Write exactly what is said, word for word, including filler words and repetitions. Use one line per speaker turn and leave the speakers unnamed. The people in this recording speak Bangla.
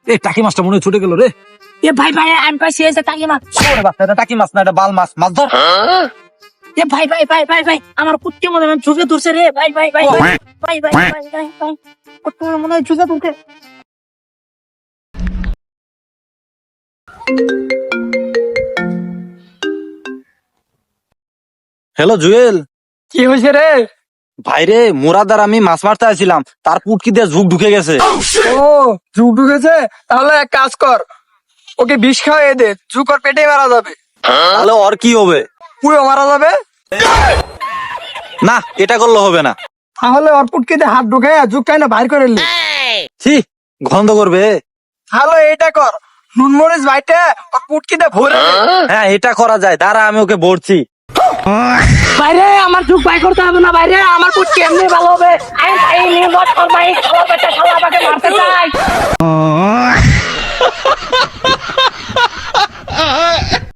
এই টাকি মাছটা মনে হয় ছুটে গেল রে।
এ ভাই ভাই আমি পাইছি এই যে টাকি মাছ।
ওরে বাচ্চা, এটা টাকি মাছ না, এটা বাল মাছ। মাছ ধর।
এ ভাই ভাই ভাই ভাই ভাই আমার কুত্তি মনে হয় ঝুঁকে ধরছে রে ভাই ভাই ভাই ভাই ভাই ভাই ভাই ভাই ভাই কুত্তি মনে হয় ঝুঁকে ধরছে।
Hello Jewel.
কি হয়েছে রে?
ভাইরে, মুরাদার আমি মাছ মারতে আসছিলাম, তার পুটকি দিয়ে ঝুঁক ঢুকে গেছে।
ও ঝুঁক ঢুকেছে, তাহলে এক কাজ কর, ওকে বিষ খাওয়াই দে, ঝুঁক ওর পেটেই মারা যাবে।
তাহলে ওর কি হবে?
পুরো মারা যাবে।
না, এটা করলে হবে না।
তাহলে ওর পুটকিতে হাত ঢুকে ঝুঁকটাই না বাইর করে নি।
ছি, গন্ধ করবে।
তাহলে এইটা কর, নুন মরিচ বাইটে ওর পুটকিতে ভরে দে।
হ্যাঁ, এটা করা যায়, দাঁড়া আমি ওকে ভরছি।
বাইরে আমার ঝুঁক বাই করতে হবে না, বাইরে আমার কুত্তি এমনি ভালো হবে। আমি ভাই নিয়ে মত করবাই খাওয়া পেটে খাওয়া আমাকে মারতে চাই।